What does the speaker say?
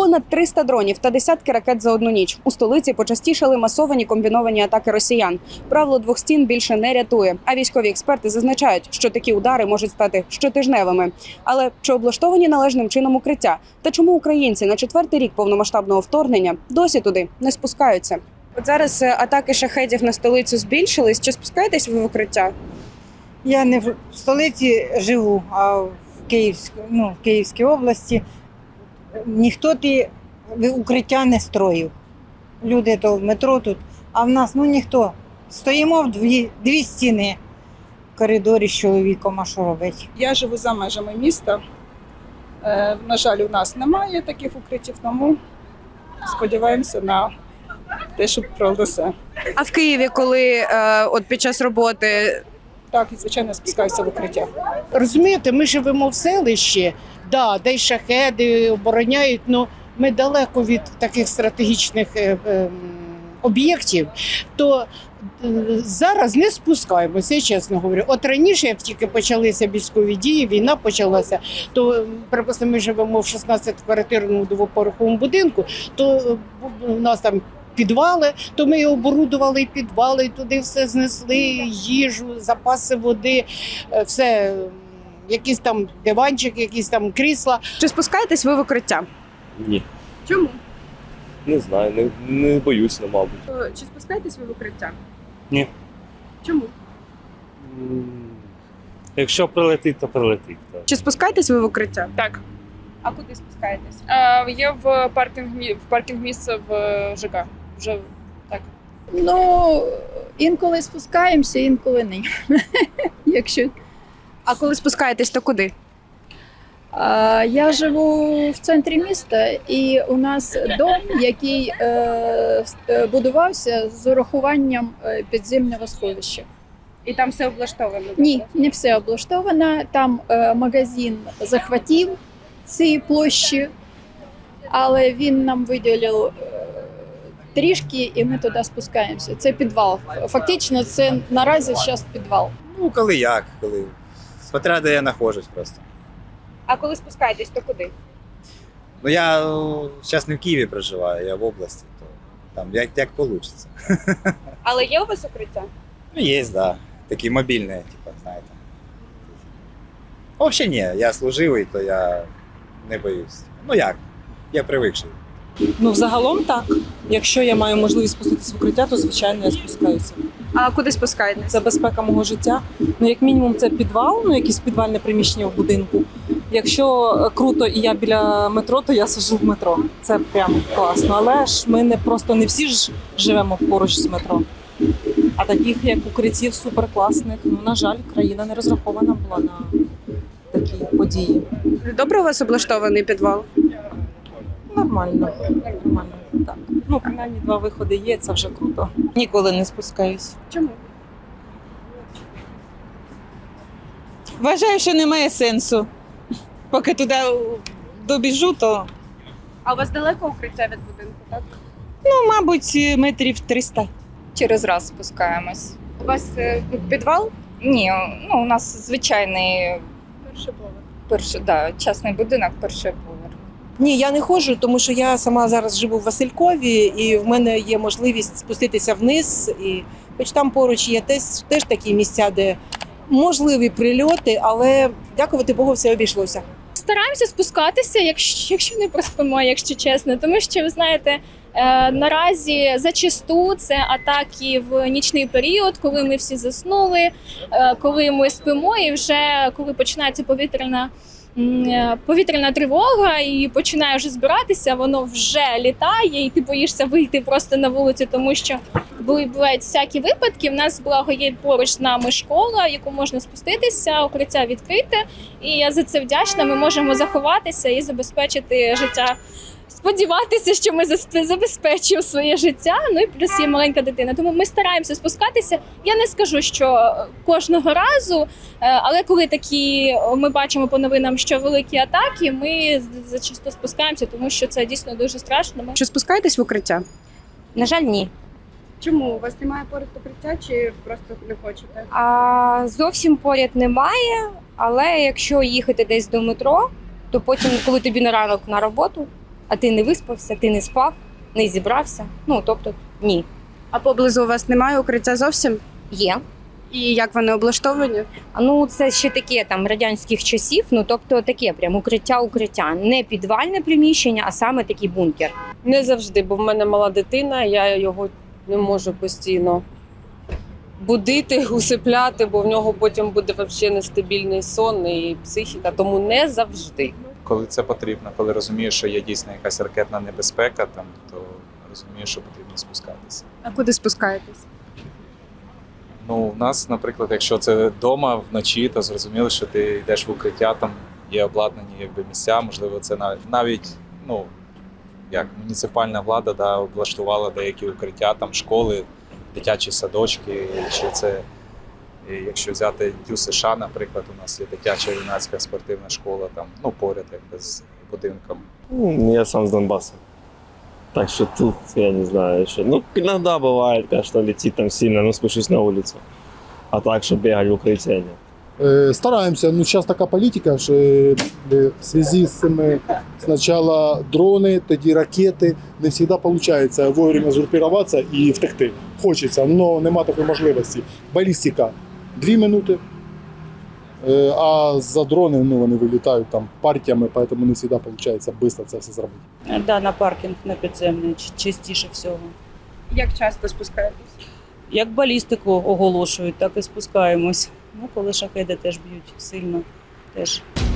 Понад 300 дронів та десятки ракет за одну ніч. У столиці почастішали масовані комбіновані атаки росіян. Правило двох стін більше не рятує. А військові експерти зазначають, що такі удари можуть стати щотижневими. Але чи облаштовані належним чином укриття? Та чому українці на 4-й рік повномасштабного вторгнення досі туди не спускаються? От зараз атаки шахедів на столицю збільшились. Чи спускаєтесь ви в укриття? Я не в столиці живу, а в Київській області. Ніхто укриття не строїв. Люди то в метро тут, а в нас ніхто. Стоїмо в дві стіни в коридорі з чоловіком, а що робити? Я живу за межами міста. На жаль, у нас немає таких укриттів, тому сподіваємося на те, що пролесе. А в Києві, коли от під час роботи? Так, і звичайно, спускаюся в укриття. Розумієте, ми живемо в селищі, де й шахеди обороняють, але ми далеко від таких стратегічних об'єктів, то зараз не спускаємося, я чесно говорю. От раніше, як тільки почалися військові дії, війна почалася, то, припустимо, ми живемо в 16-квартирному двоповерховому будинку, то у нас там підвали, то ми оборудували і підвали, і туди все знесли, їжу, запаси води, все, якийсь там диванчик, якісь там крісла. Чи спускаєтесь ви в укриття? Ні, Чому? не знаю, не боюся, мабуть. Чи спускаєтесь ви в укриття? Ні. Чому? Якщо прилетить, то прилетить. Так. Чи спускаєтесь ви в укриття? Так, А куди спускаєтесь? є в паркінг місце в ЖК. Вже так. Інколи спускаємося, інколи ні. Якщо А коли спускаєтесь, то куди? я живу в центрі міста, і у нас дом, який будувався з урахуванням підземного сховища. І там все облаштовано? Ні, не все облаштовано. Там магазин захватив ці площі, але він нам виділив трішки, і ми туди спускаємося. Це підвал. Фактично, це наразі зараз підвал. Коли як, коли. Смотря де я знаходжусь просто. А коли спускаєтесь, то куди? Я зараз не в Києві проживаю, я в області, то там як вийде. Але є у вас укриття? Є, да. Такі мобільні, знаєте. Взагалі ні, я служивий, то я не боюсь. Я привикший. Взагалом так. Якщо я маю можливість спуститися в укриття, то звичайно я спускаюся. А куди спускаєтесь? Це безпека мого життя. Як мінімум, це підвал, якесь підвальне приміщення в будинку. Якщо круто і я біля метро, то я сиджу в метро. Це прям класно. Але ж ми просто не всі ж живемо поруч з метро. А таких, як укриттів, суперкласних, на жаль, країна не розрахована була на такі події. Добре у вас облаштований підвал? Нормально, так. Принаймні 2 виходи є, це вже круто. Ніколи не спускаюсь. Чому? Вважаю, що немає сенсу. Поки туди добіжу, то, А у вас далеко укриття від будинку, так? мабуть, метрів 300. Через раз спускаємось. У вас підвал? Ні, у нас звичайний Перший поверх. частний будинок, перший поверх. Ні, я не ходжу, тому що я сама зараз живу в Василькові, і в мене є можливість спуститися вниз. І хоч там поруч є теж такі місця, де можливі прильоти, але, дякувати Богу, все обійшлося. Стараємося спускатися, якщо не проспимо, якщо чесно. Тому що, ви знаєте, наразі зачасту це атаки в нічний період, коли ми всі заснули, коли ми спимо і вже коли починається повітряна тривога і починає вже збиратися, воно вже літає, і ти боїшся вийти просто на вулицю, тому що бувають всякі випадки. В нас, благо, є поруч з нами школа, в яку можна спуститися, укриття відкрите, і я за це вдячна. Ми можемо заховатися і забезпечити життя. Сподіватися, що ми забезпечимо своє життя, і плюс є маленька дитина. Тому ми стараємося спускатися. Я не скажу, що кожного разу, але коли ми бачимо по новинам, що великі атаки, ми зачасто спускаємося, тому що це дійсно дуже страшно. Чи спускаєтесь в укриття? На жаль, ні. Чому? У вас немає поряд укриття чи просто не хочете? Зовсім поряд немає, але якщо їхати десь до метро, то потім, коли тобі на ранок на роботу, а ти не виспався, ти не спав, не зібрався. Ну, тобто, ні. А поблизу у вас немає укриття зовсім? Є. І як вони облаштовані? Ну, це ще таке там радянських часів, ну тобто таке прям укриття. Не підвальне приміщення, а саме такий бункер. Не завжди, бо в мене мала дитина, я його не можу постійно будити, усипляти, бо в нього потім буде взагалі нестабільний сон і психіка, тому не завжди. Коли це потрібно, коли розумієш, що є дійсно якась ракетна небезпека, там, то розумієш, що потрібно спускатися. А куди спускаєтесь? Ну, у нас, наприклад, якщо це вдома вночі, то зрозуміло, що ти йдеш в укриття, там є обладнані якби, місця, можливо, це навіть ну, як муніципальна влада облаштувала деякі укриття, там школи, дитячі садочки, чи це, якщо взяти Дю США, наприклад, у нас є дитяча юнацька спортивна школа, там, ну, поряд якби, з будинком. Я сам с Донбасса. Так что тут, я не знаю еще. Ну, иногда бывает, конечно, летит там сильно, но спущусь на улицу. А так, что бегать в укрытие нет. Стараємося. Ну, зараз така політика, що в зв'язку з цими спочатку дрони, тоді ракети. Не завжди виходить вовремя згрупуватися і втекти. Хочеться, але немає такої можливості. Балістика 2 минути, а за дрони ну, вони вилітають там партіями, тому не завжди виходить швидко це все зробити. Да, на паркінг, на підземний, частіше всього. Як часто спускаєтесь? Як балістику оголошують, так і спускаємось. Ну, коли шахеди теж б'ють сильно, теж.